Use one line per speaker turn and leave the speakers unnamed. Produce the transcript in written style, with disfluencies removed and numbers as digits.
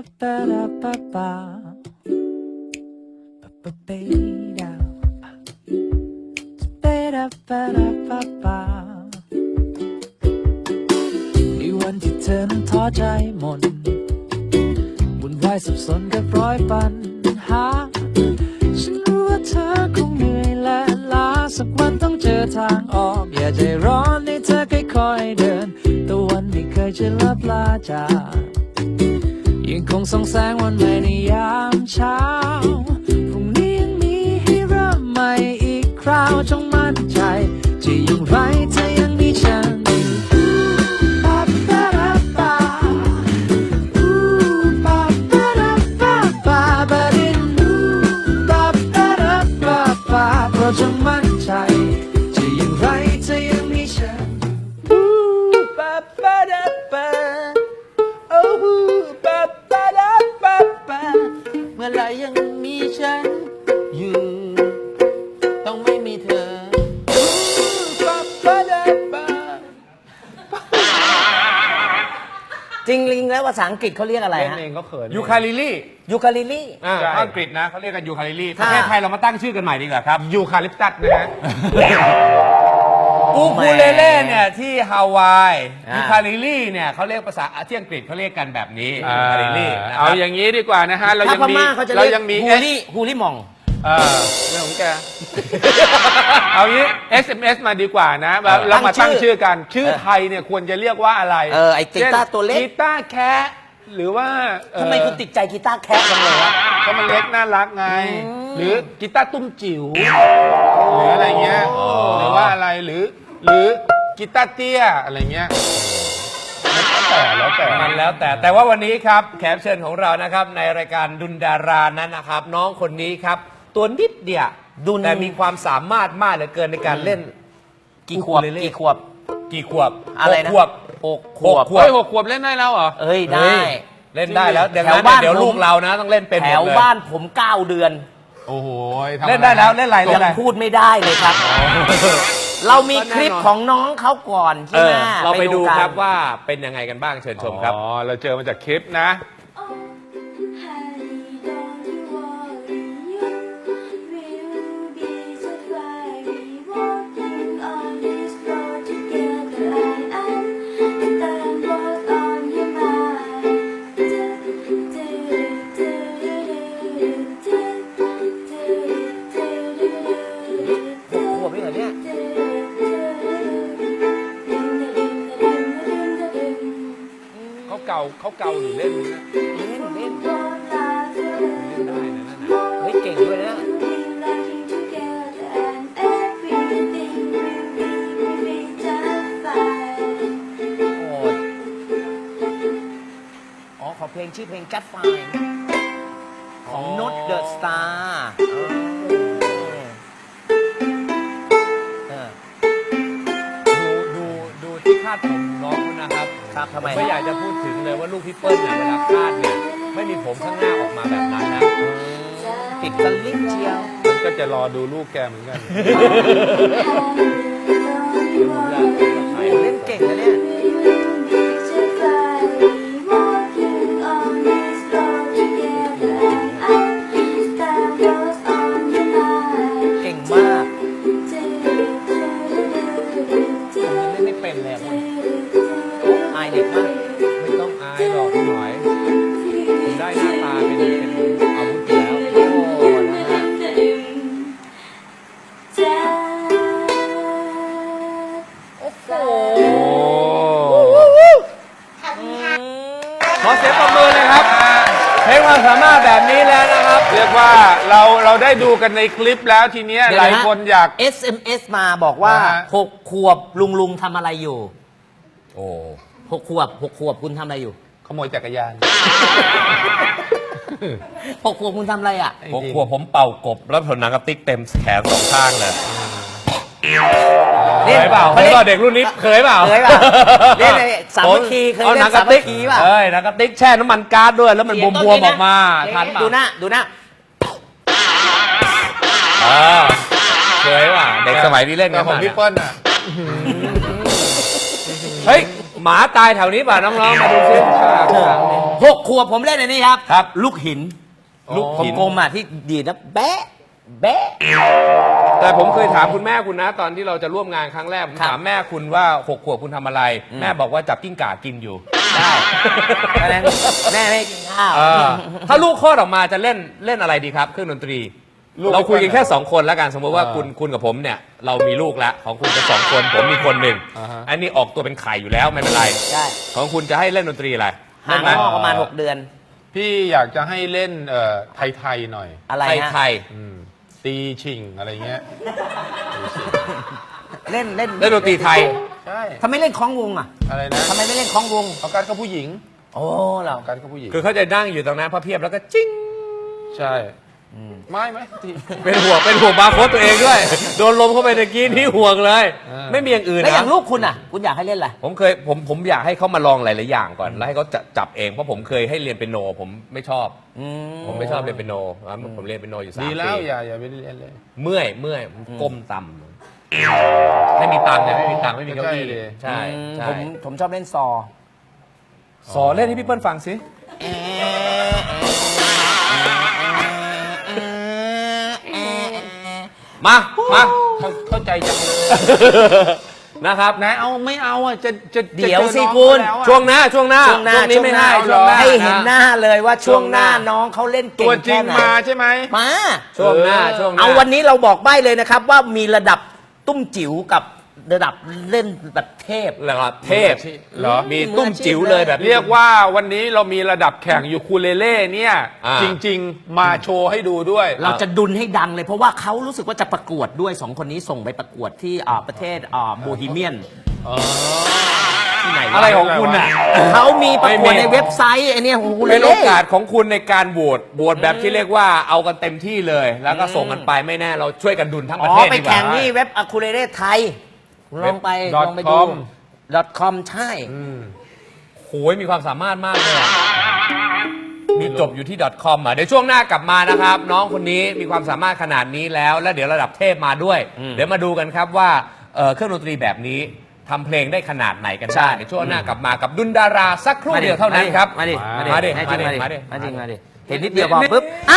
วันที่เธอนั้นท้อใจหมดวุ่นวายสับสนกับร้อยปัญหาฉันรู้ว่าเธอคงเหนื่อยและล้าสักวันต้องเจอทางออกอย่าใจร้อนให้เธอค่อยๆเดินตะวันไม่เคยจะลับลาจากยังคงส่องแสงวันใหม่ในยามเช้าพรุ่งนี้ยังมีให้เริ่มใหม่อีกคราวจงมั่นใจจะอย่างไรเธอยังมีฉันจงมั่นใจจะอย่างไรเธอยังมีฉันปะปะดะปะโอ้ปะปะดะปะปะเมื่อไรยังมีฉันอยู่ต้องไม่มีเธอปะปะดะปะจริงลิงแล้วภาษาอังกฤษเขาเรียกอะไรฮะ
เองก็เขิน
ยูคาลิลี่
ยูคาลิลี่
อังกฤษนะเขาเรียกกันยูคาลิลี่ประเทศไทยเรามาตั้งชื่อกันใหม่ดีกว่าครับ
ยูคาลิปตัสนะฮะ
อูคูเลเล่เนี่ยที่ฮาวายยูคาลิลี่เนี่ยเขาเรียกภาษาที่อังกฤษเขาเรียกกันแบบนี้ยูคาลิลี่นะค
เอา
รับ
อย่างนี้ดีกว่านะฮะเรา
ถ้า
ยัง
พ
มี
ม่าเขาจะ
เรา
เรียก
ยังมี
ฮูลี่มอง
เรื่องของแก เอางี้ SMS มาดีกว่านะเรามาตั้งชื่อกันชื่อไทยเนี่ยควรจะเรียกว่าอะไร
ไอ้กีตาร์ตัวเล็ก
กีตาร์แคะหรือว่า
ทำไมคุณติดใจกีตาร์แคะจังเลยวะ
ก็มันเล็กน่ารักไงหรือกีตาร์ตุ้มจิ๋วหรืออะไรเงี้ยหรือว่าอะไรหรือกีตาร์เตี้ยอะไรเงี้ยแล้วแต่
แต่ว่าวันนี้ครับแขกเชิญของเรานะครับในรายการดุลดารานั้นนะครับน้องคนนี้ครับตัวนิดเดียวแต่มีความสามารถมากเหลือเกินในการเล่น
กี่ขวบ
อะไรนะ6 ขวบ
เฮ้ย6 ขวบเล่นได้แล้วเหรอ
เอ้ยได้
เล่นได้แล้วเดี๋ยวลูกเรานะต้องเล่นเป็นหมดเลย
แถวบ้านผม9 เดือน
โอ้โห
เล่นได้แล้วเล่นอะไร
ยังพูดไม่ได้เลยครับเรามีคลิปของน้องเขาก่อนใช่ไหม
เราไปดูครับว่าเป็นยังไงกันบ้างเชิญชมครับ
เราเจอมาจากคลิปนะเขาเกาหรือเล่น
ได้นะนั่นน่ะเฮ้ยเก่งด้วยนะขอเพลงชื่อเพลง Just Fine ของ Not The Star
ดูที่คาดผมน้องนะครับ
ทำไม
ไม่อยากจะพูดถึงเลยว่าลูกพี่เปิ้ลเนี่ยเวลาคาดเนี่ยไม่มีผมข้างหน้าออกมาแบบนั้นนะ
ติดสลิปเชียว
ก็จะรอดูลูกแกเหมือนกัน
เล่นเก่งนะเนี่ยเก่งมากเล่นไม่เป็นเลยอายเด็กมาก
ไม่ต้องอายหรอกพี่หน่อยผมได้หน้าตาเป็นอาวุธแล้วขอเสียงปรบมือเลยครับเพลงความสามารถแบบนี้แล้วนะครับ
เรียกว่าเราได้ดูกันในคลิปแล้วทีนี้หลายคนอยาก
SMS มาบอกว่า6 ขวบลุงทำอะไรอยู่6 ขวบคุณทำอะไรอยู่
ขโมยจักรยาน
6 ขวบคุณทำอะไรอ่ะ
6 ขวบผมเป่ากบแล้วผลหนังกระติกเต็มแขน2 ข้างเลยเคยเปล่าเด็กรุ่นนี้เคยเปล่า
เล่นสามัคคีเคยเล่นสามัคคีป่ะ
หนังกระติกแช่น้ำมันก๊าซด้วยแล้วมันบวมๆออกมาทันป่ะ
ดูหน้า
เคยป่ะเด็กสมัยนี้เล่นกัน
ของพี่เปิ้ลอ่ะ
เฮ้ยหมาตายแถวนี้ป่ะน้องๆมาดูซิ
6 ขวบผมเล่นอันนี้ครับ
ครับ
ลูกหิน
ลูกหิน
กลมๆอ่ะที่ดีดแล้วแบะแบะ
แต่ผมเคยถามคุณแม่คุณนะ ตอนที่เราจะร่วมงานครั้งแรกผม
ครับ
ถามแม่คุณว่า6 ขวบคุณทำอะไร แม่บอกว่าจับกิ้งก่ากินอยู่
ได้เพราะฉะนั้นแม่ไม่กินข้าว
ถ้าลูกคลอดออกมาจะเล่นอะไรดีครับเครื่องดนตรี เราคุยกันแค่ 2 คนแล้วกันสมมติว่าคุณกับผมเนี่ยเรามีลูกแล้วของคุณเป็น2 คนผมมีคนหนึ่งอันนี้ออกตัวเป็นไข่อยู่แล้วไม่เป็นไร
ใช่
ของคุณจะให้เล่นดนตรีอะไร
ห่าง
เล่นไหม
พ่อประมาณ 6 เดือน
พี่อยากจะให้เล่นไทยๆหน่อย
อะไร
ไทย
ฮะ
ไทย
ตีชิงอะไรเงี้ย
เล่น
เล่นดนตรีไทย
ใช่
ทำไมเล่นคล้องวงอ่ะ
อะไรนะ
ทำไมไม่เล่นคล้องวง
เอาการกับผู้หญิง
โอ้เรา
เอาการกับผู้หญิง
คือเขาจะนั่งอยู่ตรงนั้นพระเพียบแล้วก็จิ้ง
ใช่ไม่ที
เป็นห่วงบาร์โค้ดตัวเองด้วย โดนลมเข้าไปตะกี้นี่ห่วงเลย ไม่มีอย่างอื่น
แล้วอย่าง
นะ
ลูกคุณอ่ะ คุณอยากให้เล่นอะไร
ผมอยากให้เขามาลองหลายๆอย่างก่อนแล้วให้เขาจับเองเพราะผมเคยให้เรียนเปียโนผมไม่ชอบ ผมไม่ชอบเรียนเปียโนผมเรียนเปียโนอยู่3
ดี
ปี
แล้วอย่าไปเรียนเลย
เมื่อยก้มต่ำไม่มีตังค์เนี่ยไม่มีตังค์ไม่มีเก้าอี้
ใช่
ใช่
ผมชอบเล่นซอ
สอนเล่นให้พี่เปิ้ลฟังสิมา
เข้าใจจังเลย
นะครับ
นายเอาไม่เอาอ่ะจะ
เดี๋ยว
จะจอ
สิ
น้อง
คุณ
เขาแล้วอะ
ช่วงหน้าช่วงนี้ไม่ให้ช่วงหน้า
ให้เห็นหน้าเลยว่าช่วงหน้า
ช่วงหน้า
น้องเขาเล่นเก่
ตัว
ง
จริ
แค่
ง
ไหน
มาใช่ไหม
มา
ช่วงหน้า
เอาวันนี้เราบอกใบ้เลยนะครับว่ามีระดับตุ้มจิ๋วกับระดับเล่นแบบเทพ
ระดับเทพ
เหรอ
มีตุ้มจิ๋วเลยแบบนี้
เรียกว่าวันนี้เรามีระดับแข่งยูคูเลเล่เนี่ย
อ่า
จริง ๆ มาโชว์ให้ดูด้วย
เราจะดุนให้ดังเลยเพราะว่าเขารู้สึกว่าจะประกวดด้วย2 คนนี้ส่งไปประกวดที่ประเทศโบฮีเมียนที่ไหนว
อะไรของคุณอ่ะ
เขามีประกวด
ไม่มี
ในเว็บไซต์ไอเนี่ยโอ้โห
เป็นโอกาสของคุณในการโหวตแบบที่เรียกว่าเอากันเต็มที่เลย แล้วก็ส่งกันไปไม่แน่เราช่วยกันดุนทั้งป
อ๋
ระ
อ
เทศ
ไป
ดีกว่า
แข่งที่เว็บอะคูเรเรไทยลองไป
.com
ลองไปดู .com ใช่
โหยมีความสามารถมากเลยอะมีจบอยู่ที่ .com อ่ะเดี๋ยวช่วงหน้ากลับมานะครับ น้องคนนี้มีความสามารถขนาดนี้แล้ว แล้วเดี๋ยวระดับเทพมาด้วย เดี๋ยวมาดูกันครับว่าเครื่องดนตรีแบบนี้ทำเพลงได้ขนาดไหนกันได้ในช่วงหน้ากลับมากับดุนดาราสักครู่เดียวเท่านั้นครับ
มาดิ
มาดิ
ให้จริง
มาดิ
มาดิ
มาดิ
มาดิเห็นนิดเดียวพอปุ๊บอ่ะ